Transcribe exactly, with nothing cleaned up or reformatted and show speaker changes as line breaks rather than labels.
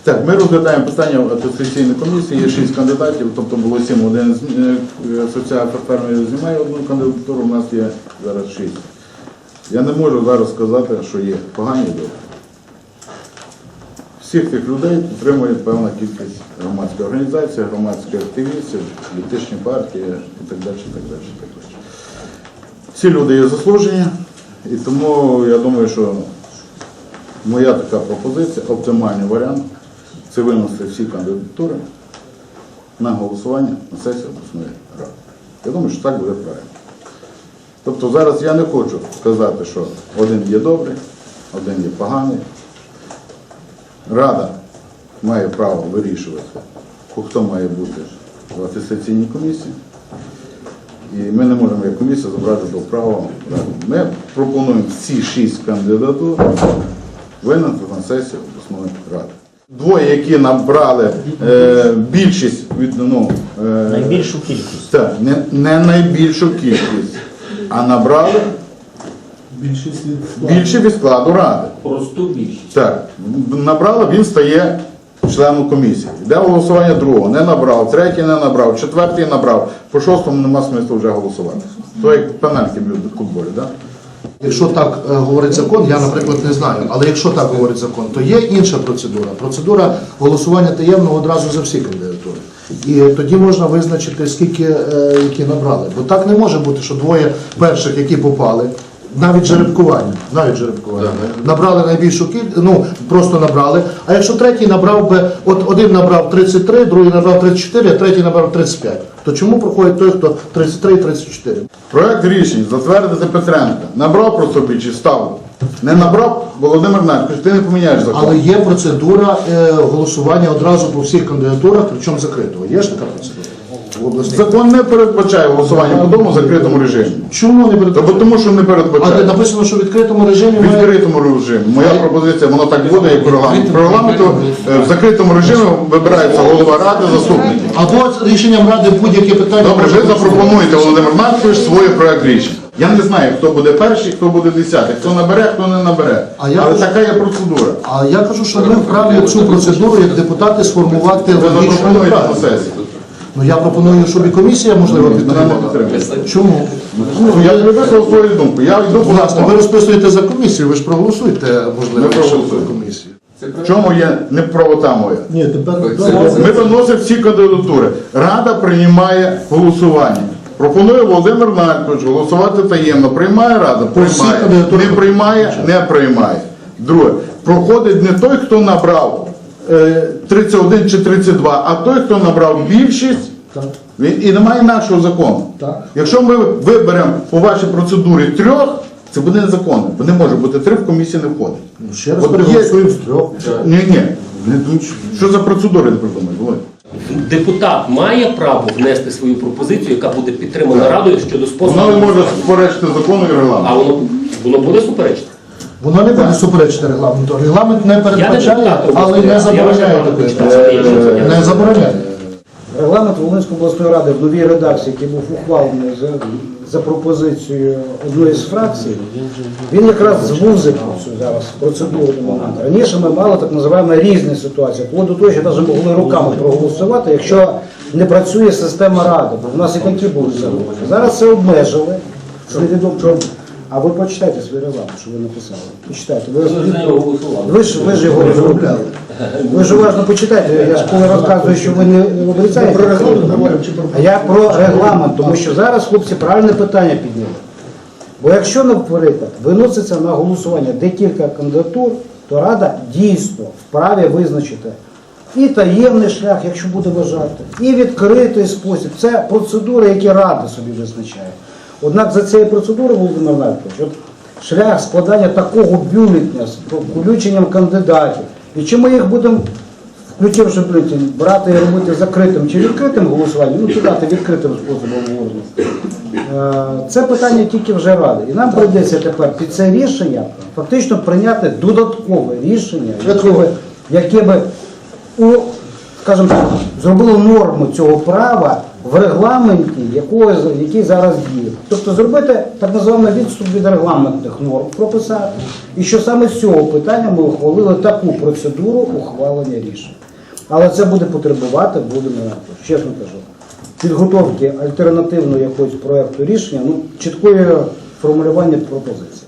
Так, ми розглядаємо питання атестаційної комісії, є шість кандидатів, тобто було сім, один з асоціація фермерів знімає одну кандидатуру, у нас є зараз шість. Я не можу зараз сказати, що є погані люди. Всіх тих людей підтримує певна кількість громадських організацій, громадських активістів, політичні партії і так далі, і так далі, і так далі. Всі люди є заслужені, і тому я думаю, що моя така пропозиція, оптимальний варіант, це винести всі кандидатури на голосування на сесію обласної ради. Я думаю, що так буде правильно. Тобто зараз я не хочу сказати, що один є добрий, один є поганий. Рада має право вирішувати, хто має бути в атестаційній комісії. І ми не можемо як комісія забрати до права ради. Ми пропонуємо всі шість кандидатур винести на сесію обласної ради. Двоє, які набрали е, більшість від, ну, е,
найбільшу кількість.
Так, не, не найбільшу кількість, а набрали
Більшість від складу.
більше від складу ради.
Просту більшість.
Так, набрали, він стає членом комісії. Йде голосування другого, не набрав, третій не набрав, четвертий набрав, по шостому нема смислу вже голосувати. То як пенальті б'ють в футболі, так?
Якщо так е, говорить закон, я, наприклад, не знаю, але якщо так говорить закон, то є інша процедура. Процедура голосування таємного одразу за всі кандидатури. І тоді можна визначити, скільки е, які набрали. Бо так не може бути, що двоє перших, які попали, навіть жеребкування, навіть жеребкування, набрали найбільшу кількість, ну, просто набрали. А якщо третій набрав би, от один набрав тридцять три, другий набрав тридцять чотири, а третій набрав тридцять п'ять, то чому проходить той, хто тридцять три і тридцять чотири?
Проект рішень затвердити Петренка. Набрав просто більше ставку. Не набрав Володимир Наркович, ти не поміняєш закон.
Але є процедура е, голосування одразу по всіх кандидатурах, причому закритого. Є ж така процедура? В обласній?
Закон не передбачає голосування по тому в закритому режимі.
Чому не
Тобто
передбачає?
тому, що не
А де
передбачає.
написано, що в відкритому режимі
В
має...
відкритому режимі. Моя пропозиція, воно так буде, як по регламенту. По регламенту е, в закритому режимі вибирається голова ради, заступники.
Або рішенням ради будь-яке питання...
Добре, ви запропонуєте, Володимир Маркович, свій проект рішень. Я не знаю, хто буде перший, хто буде десятий, хто набере, хто не набере.
А я
Але
кажу-
така є процедура.
А я кажу, що ми вправі цю процедуру як депутати сформувати
Ви
логічно
запропонуєте на
правильно.
сесії.
Ну я пропоную, щоб і комісія, можливо,
Мене не
підтримала.
підтримує.
Чому?
Ну, я не висловив свою думку. Я йду по
Будь ласка, ви
закону.
розписуєте за комісію, ви ж проголосуєте, можливо,
Ми
щоб
проголосуємо.
комісію.
В чому є неправота моя?
Ні, тепер
Ми виносимо всі кандидатури. Рада приймає голосування. Пропонує Володимир Наркович голосувати таємно. Приймає Рада?
всіх
Приймає.
кандидатурах.
Не приймає? Не приймає. Друге. Проходить не той, хто набрав е, тридцять один чи тридцять два, а той, хто набрав більшість.
Так.
Він, і немає нашого закону.
Так.
Якщо ми виберемо по вашій процедурі трьох, це буде незаконно, бо не може бути три, в комісії не входить.
Ну, ще раз
От є-
переголосуємо з трьох.
Ні, ні. Не- Що за процедури не придумають, Володь?
Депутат має право внести свою пропозицію, яка буде підтримана Радою щодо способу.
Воно не може суперечити закону і регламенту.
А воно, воно буде суперечити?
Воно не буде суперечити регламенту. Регламент не передбачає,
депутат,
але не
я
забороняє
вважаю,
такої
що
справи.
це є рішення.
Не забороняє.
Регламент Волинської обласної ради в новій редакції, який був ухвалений за, за пропозицією одної з фракцій, він якраз звузив цю зараз процедурний момент. Раніше ми мали так називаємо різні ситуації, вплоть до того, що навіть могли руками проголосувати, якщо не працює система ради, бо в нас і такі були закони. Зараз це обмежили. Невідомо чому. А ви почитайте свій регламент, що ви написали. Почитайте. Ви, ви, ж, ви ж його розробляли. Ви ж уважно почитайте. Я ж коли розказую, що ви не обіцяєте. Про регламент говоримо чи про... А я про регламент, тому що зараз хлопці правильне питання підняли. Бо якщо, наприклад, виноситься на голосування декілька кандидатур, то Рада дійсно вправі визначити і таємний шлях, якщо буде вважати, і відкритий спосіб. Це процедури, які Рада собі визначає. Однак за цією процедурою, Володимир Маркович, от шлях складання такого бюлетня з включенням кандидатів, і чи ми їх будемо, включивши бюлетень, брати і робити закритим чи відкритим голосуванням, ну кидати відкритим способом голосу, це питання тільки вже Ради. І нам прийдеться тепер під це рішення фактично прийняти додаткове рішення, яке би, яке би у, скажімо так, зробило норму цього права в регламенті, якого, який зараз діє. Тобто зробити так званий відступ від регламентних норм, прописати, і що саме з цього питання ми ухвалили таку процедуру ухвалення рішень. Але це буде потребувати, будемо, чесно кажу, підготовки альтернативного якогось проєкту рішення, ну, чіткої формулювання пропозицій.